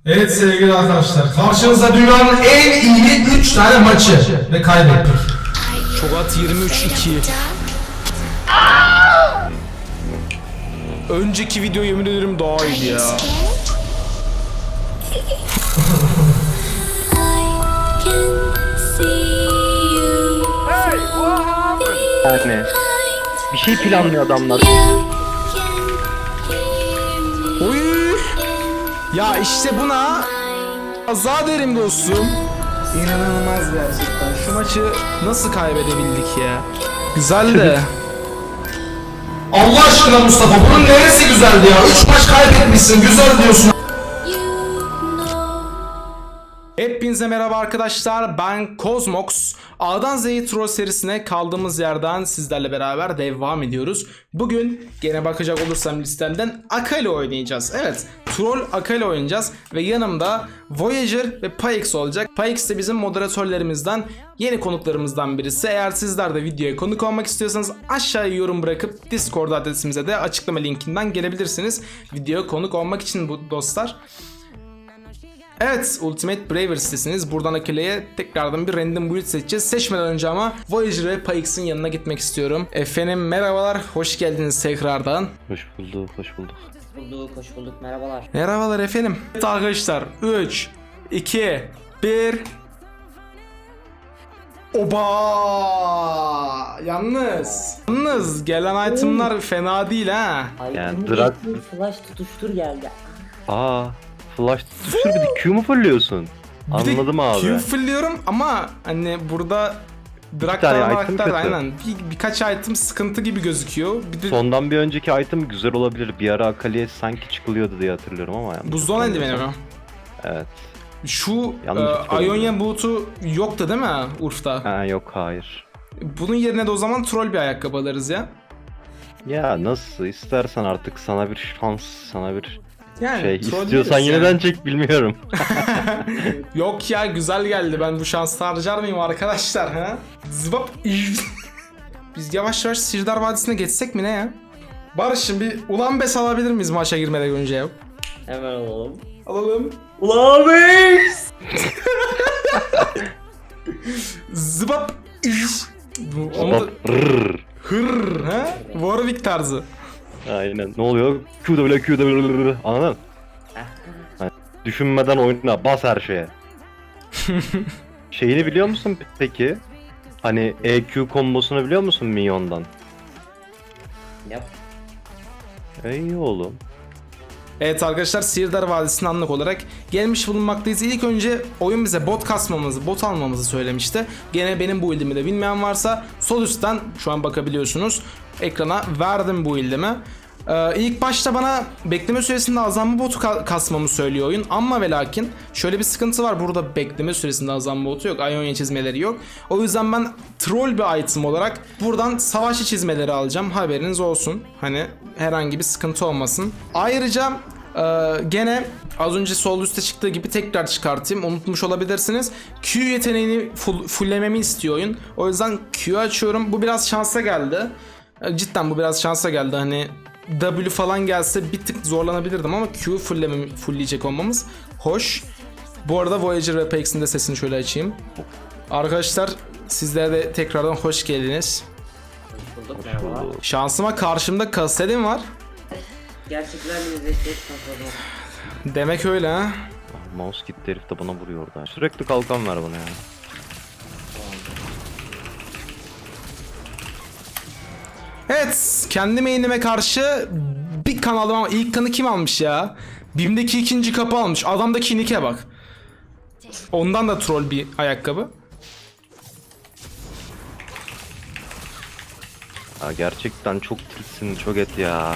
Evet sevgili arkadaşlar, karşınızda dünyanın en iyi 3 tane maçı ve kaybettik. Çogat 23-2. Önceki video yemin ederim daha iyiydi ya. Yani bir şey planlıyor adamlar. Oy! Ya işte buna azar derim dostum. İnanılmaz gerçekten. Şu maçı nasıl kaybedebildik ya? Güzel de. Allah aşkına Mustafa, bunun neresi güzeldi ya? 3 maç kaybetmişsin, güzel diyorsun. Hepinize merhaba arkadaşlar, ben Kozmox. A'dan Z'ye Troll serisine kaldığımız yerden sizlerle beraber devam ediyoruz. Bugün gene bakacak olursam listemden Akali oynayacağız. Evet, Troll Akali oynayacağız ve yanımda Voyager ve Pyx olacak. Pyx de bizim moderatörlerimizden, yeni konuklarımızdan birisi. Eğer sizler de videoya konuk olmak istiyorsanız aşağıya yorum bırakıp Discord adresimize de açıklama linkinden gelebilirsiniz. Videoya konuk olmak için bu dostlar. Evet, Ultimate Braver sitesiniz. Buradan Akali'ye tekrardan bir random build seçeceğiz. Seçmeden önce ama Voyager ve Pyx'in yanına gitmek istiyorum. Efendim merhabalar, hoş geldiniz tekrardan. Hoş bulduk, hoş bulduk. Hoş bulduk, merhabalar. Merhabalar efendim. Evet arkadaşlar, 3, 2, 1... Oba! Yalnız gelen itemlar fena değil ha. Yani drag... Flash tutuştur geldi. Flash tutuştur, bir de Q mu fırlıyorsun? Anladım abi. Q fırlıyorum ama hani burada tane Draktar item karakter kötü. aynen birkaç item sıkıntı gibi gözüküyor. Bir de Sondan bir önceki item güzel olabilir. Bir ara Akali'ye sanki çıkılıyordu diye hatırlıyorum ama yani. buzdolabı eldiveni mi? Evet. Şu Yanlış hatırlıyorum. Ionia boot'u yoktu değil mi Urf'ta? Ha, yok hayır. Bunun yerine de o zaman troll bir ayakkabı alırız ya. Ya nasıl istersen artık, sana bir şans, sana bir Yani şey troll istiyorsan deriz yeniden yani. çek, bilmiyorum. Yok ya, güzel geldi, ben bu şansı harcar mıyım arkadaşlar ha? Zıbap. Biz yavaş yavaş Sirdar Vadisi'ne geçsek mi ne ya? Barış'ım bir ulan bes alabilir miyiz maça girmeden önce ya? Hemen alalım. Alalım. Ulan beys! Zıbap. Onu da... Rrrr. Hırr ha? Warwick tarzı. Aynen. Ne oluyor? QW anladın? Yani düşünmeden oyna, bas her şeye. Şeyini biliyor musun peki? Hani EQ kombosunu biliyor musun Minyon'dan? Yap. İyi oğlum. Evet arkadaşlar, Sirdar Vadisi'ne anlık olarak gelmiş bulunmaktayız. İlk önce oyun bize bot almamızı söylemişti. Gene benim bu build'imi de bilmeyen varsa sol üstten şu an bakabiliyorsunuz. Ekrana verdim bu build'imi. İlk başta bana bekleme süresinde azalma botu kasmamı söylüyor oyun. Ama ve lakin şöyle bir sıkıntı var. Burada bekleme süresinde azalma botu yok. Ionia çizmeleri yok. O yüzden ben troll bir item olarak buradan savaşçı çizmeleri alacağım. Haberiniz olsun. Hani herhangi bir sıkıntı olmasın. Ayrıca gene az önce sol üstte çıktığı gibi tekrar çıkartayım. Unutmuş olabilirsiniz. Q yeteneğini fulllememi istiyor oyun. O yüzden Q açıyorum. Bu biraz şansa geldi. Cidden bu biraz şansa geldi. Hani W falan gelse bir tık zorlanabilirdim ama Q fullleyecek olmamız hoş. Bu arada Voyager ve Pyx'in de sesini şöyle açayım. Arkadaşlar sizlere de tekrardan hoş geldiniz. Hoş bulduk, merhabalar. Şansıma karşımda Kastelin var. Gerçeklerle yüzleşmek sanırım. Demek öyle ha. Mouse gitti, herif de bana vuruyor orada. Sürekli kalkan ver bana ya. Evet, kendi main'ime karşı bir kan aldım ama ilk kanı kim almış ya? BİM'deki ikinci kapı almış. Adamdaki nick'e bak. Ondan da troll bir ayakkabı. Ya gerçekten çok tilsin, çok et ya.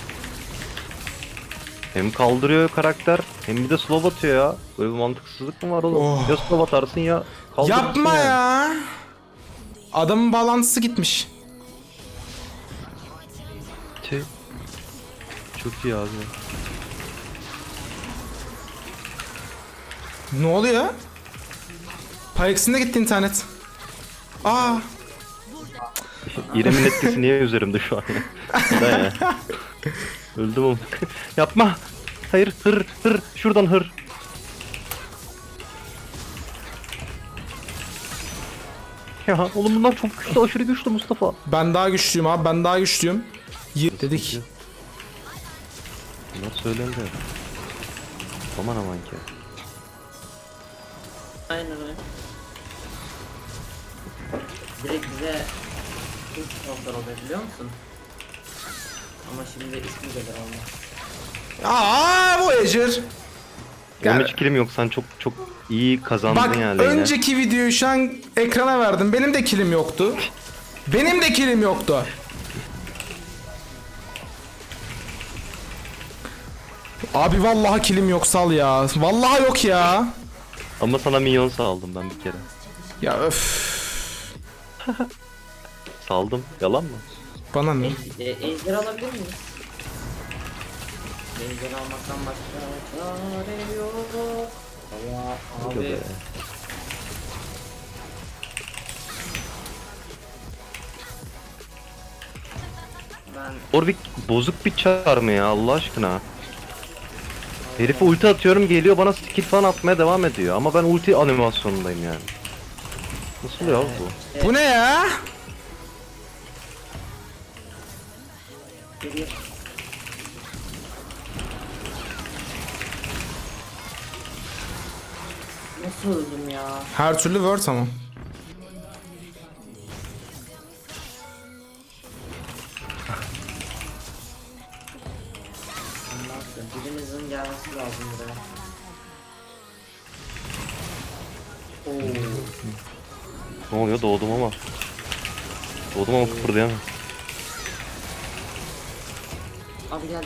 Hem kaldırıyor karakter, hem bir de slow atıyor ya. Böyle bir mantıksızlık mı var oğlum? Oh. Ya slow atarsın ya kaldırırsın. Yapma yani. ya. Adamın bağlantısı gitmiş. Tüh. Çok iyi abi. Ne oluyor? Pyx'in de gitti internet. Aa. İrem'in etkisi niye üzerimde şu an? Neden ya? Öldüm oğlum. Yapma. Hayır, hır, şuradan hır. Ya oğlum bunlar çok güçlü, aşırı güçlü Mustafa. Ben daha güçlüyüm abi, ben daha güçlüyüm. Dedik. Bunlar söylendi. Aman aman ki. Aynen öyle. Direkt bize ilk noktalar oluyor biliyor musun? Ama şimdi ismi gelir olmaz. Voyager. Benim hiç kilim yok, sen çok iyi kazandın Bak yani. Leyla. önceki videoyu şu an ekrana verdim. Benim de kilim yoktu. Benim de kilim yoktu. Abi vallahi kilim yok, sal ya. Vallahi yok ya. Ama sana minyon saldım ben bir kere. Ya öf. Saldım. Yalan mı? Bana ne? Ejder alabilir miyiz? Ejder almaktan başka çare yok. Allah abi. Be. Ben Orvik bozuk bir çar mı ya Allah aşkına? Herife ulti atıyorum, geliyor bana skill falan atmaya devam ediyor. Ama ben ulti animasyonundayım yani. Nasıl ya bu? Bu ne ya? geriye nasıl öldüm ya? Her türlü word ama. Anlarsın. Birimizin gelmesi lazım buraya. Oo. Ne oluyor? Doğdum ama. Doğdum ama kıpırdayamam. Abi geldi.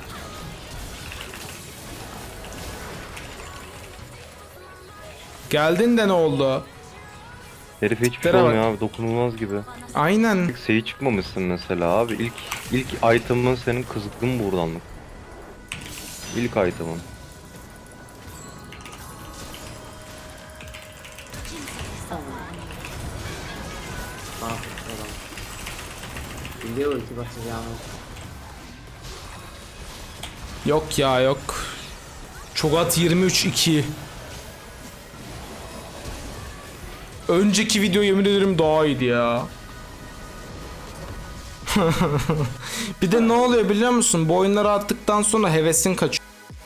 Geldin de ne oldu? Herife hiçbir şey Tere bak. olmuyor abi, dokunulmaz gibi. Aynen. İlk seyi çıkmamışsın mesela abi. İlk item'ın senin kızgın buradanlık. İlk item'ın. Bana adam. Biliyor ulti basacağımı. Yok ya yok. Çogat 23-2. Önceki video yemin ederim daha iyiydi ya. Bir de ne oluyor biliyor musun? Bu oyunları attıktan sonra hevesin kaçıyor.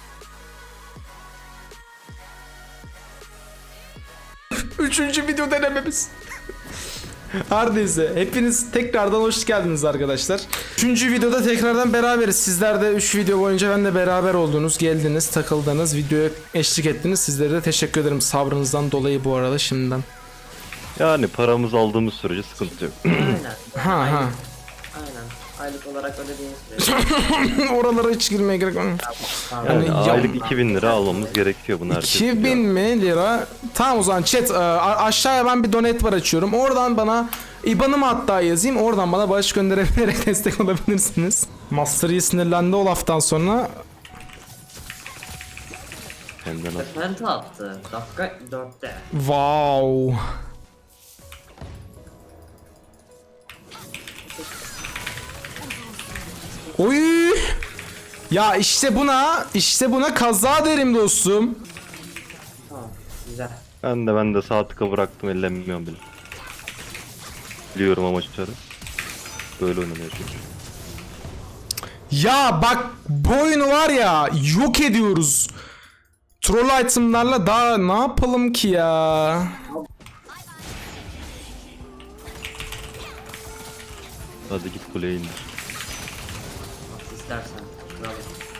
Üçüncü video denememiz. Her neyse, hepiniz tekrardan hoş geldiniz arkadaşlar. Üçüncü videoda tekrardan beraberiz. Sizler de 3 video boyunca benimle beraber oldunuz, geldiniz, takıldınız, videoya eşlik ettiniz. Sizlere de teşekkür ederim sabrınızdan dolayı bu arada şimdiden. Yani paramızı aldığımız sürece sıkıntı yok. Aynen. Ha ha. Aynen. Aylık olarak ödediğiniz sürece. Oralara hiç girmeye gerek yok. Yani ya- aylık 2000 lira almamız gerekiyor bunu herkes 2000 biliyor. mi lira? Tamam o zaman chat aşağıya ben bir donate bar açıyorum. Oradan bana IBAN'ımı hatta yazayım. Oradan bana bağış gönderebilerek destek olabilirsiniz. Master Yi sinirlendi o laftan sonra. Hem de nasıl? Penta attı. Dakika 4'te. Wow. Oy. Ya işte buna kaza derim dostum. Tamam. Güzel. Ben de sağ tıka bıraktım, ellemiyorum bile. Biliyorum amaçları. Böyle oynanıyor çünkü. Ya bak bu oyunu var ya yok ediyoruz. Troll itemlarla daha ne yapalım ki ya? Hadi git kuleye indir. Nasıl istersen. Bravo.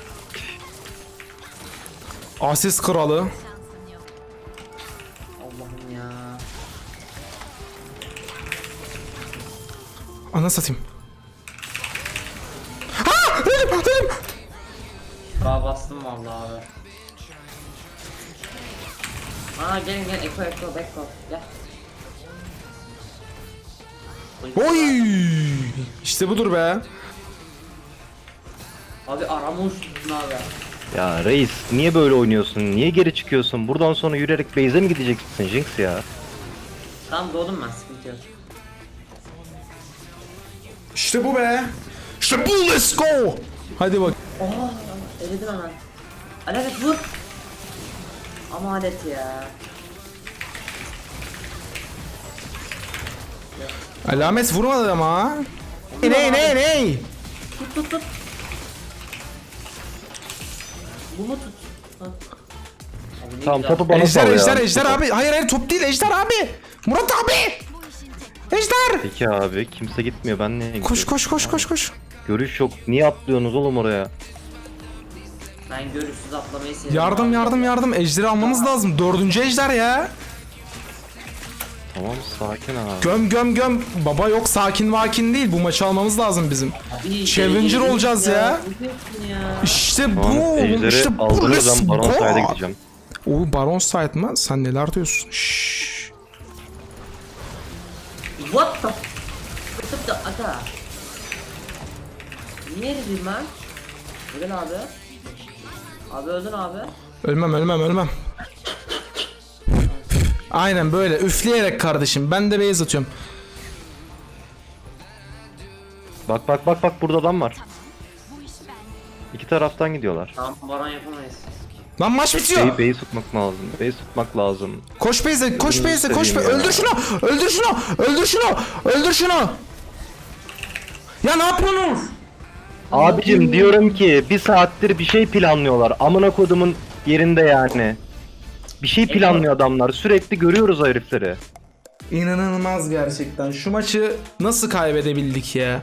Asist kralı. Allah'ım ya. Ana satayım. Ha! Dedim. Daha bastım vallahi abi. Aa gelin Eko Beko gel. Oy! İşte budur be. Abi aramış abi. Ya reis, niye böyle oynuyorsun? Niye geri çıkıyorsun? Buradan sonra yürüyerek base'e mi gideceksin Jinx ya? Tamam doğdum ben sıkıntı yok. İşte bu be. İşte bu, let's go. Hadi bak. Oha eledim hemen. Alalet vur. Ama alet ya. Alamet vurmadı ama. Ne? Tut. Bunu tut. Ha. Abi ne Tamam güzel. topu bana sal ya. Ejder abi. Hayır top değil Ejder abi. Murat abi. Ejder. Peki abi kimse gitmiyor ben niye gidiyorum? Koş. Görüş yok. Niye atlıyorsunuz oğlum oraya? Ben görüşsüz atlamayı seviyorum. Yardım. Ejder'i almamız lazım. 4. ejder ya. Tamam sakin abi. Göm. Baba yok sakin değil. Bu maçı almamız lazım bizim. Abi, Challenger deli olacağız ya. Bu diyorsun ya. İşte Tamam bu. ejderi İşte bu. aldığınız Let's zaman Baron go. Side'a gideceğim. O Baron Side mı? Sen neler diyorsun? Şşş. What the? Tutup da ata. Niye eridin lan? Öldün abi. Abi öldün abi. Ölmem. Aynen böyle üfleyerek kardeşim. Ben de base atıyorum. Bak burada adam var. İki taraftan gidiyorlar. Tamam baron yapamayız. Lan maç bitiyor. B'yi tutmak lazım. B'yi tutmak lazım. Koş base'e. seveyim ya. Öldür şunu. Ya ne yapıyorsunuz? Abicim diyorum ki bir saattir bir şey planlıyorlar. Amına kodumun yerinde yani. Bir şey planlıyor adamlar. Sürekli görüyoruz o herifleri. İnanılmaz gerçekten. Şu maçı nasıl kaybedebildik ya?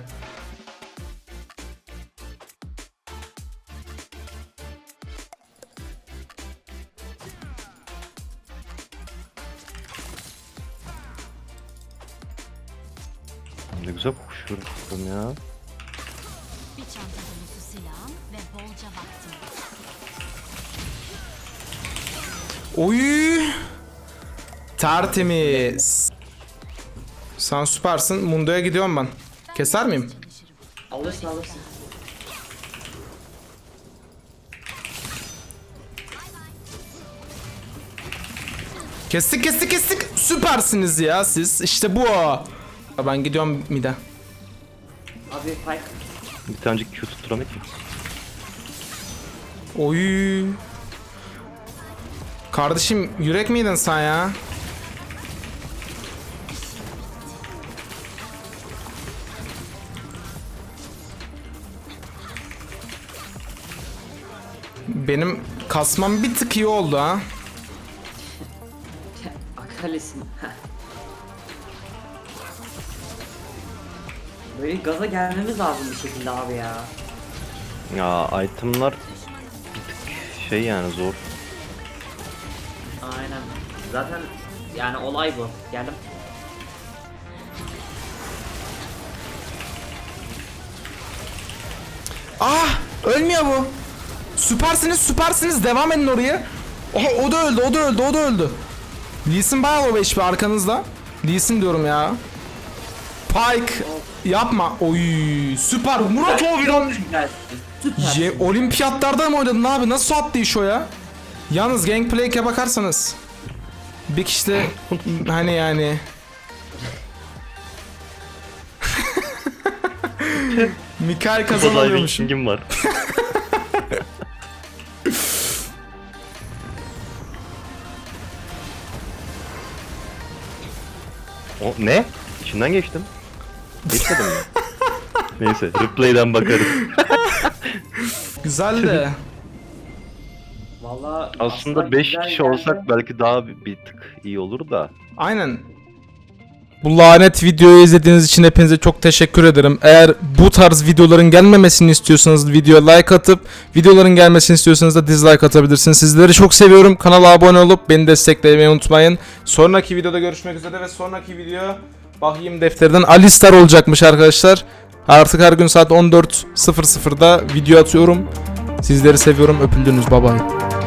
Ne güzel koşuyorum ya. Bir çanta dolusu silahım ve bolca vaktim. Oy! Tertemiz. Sen süpersin. Mundo'ya gidiyorum ben. Keser miyim? Alırsın. Kestik. Süpersiniz ya siz. İşte bu. Ben gidiyorum mid'e. Abi Pike. Bir tanecik Q tutturamak mı? Oy. Kardeşim yürek miydin sen ya? Benim kasmam bir tık iyi oldu ha. Akalesin. Böyle gaza gelmemiz lazım bir şekilde abi ya. Ya itemlar bir tık şey yani zor. Aynen. Zaten yani olay bu. Geldim. Ah! Ölmüyor bu. Süpersiniz. Devam edin oraya. Oha, o da öldü. Lee Sin bayağı low HP arkanızda. Lee Sin diyorum ya. Pike yapma. Oy süper. Murat Oviran. Süper. Olimpiyatlarda mı oynadın abi? Nasıl attı iş o ya? Yalnız Gangplank'e bakarsanız bir kişi de hani yani Mikael kazanamıyormuşum. Kim var? O ne? İçinden geçtim. Geçmedim mi? Neyse, replay'den bakarız. Güzel de. Vallahi Aslında 5 güzel kişi geldi. olsak belki daha bir tık iyi olur da. Aynen. Bu lanet videoyu izlediğiniz için hepinize çok teşekkür ederim. Eğer bu tarz videoların gelmemesini istiyorsanız videoya like atıp videoların gelmesini istiyorsanız da dislike atabilirsiniz. Sizleri çok seviyorum. Kanala abone olup beni desteklemeyi unutmayın. Sonraki videoda görüşmek üzere ve sonraki video Bahiyim Defteri'den Alistar olacakmış arkadaşlar. Artık her gün saat 14.00'da video atıyorum. Sizleri seviyorum. Öpüldünüz. Bye bye.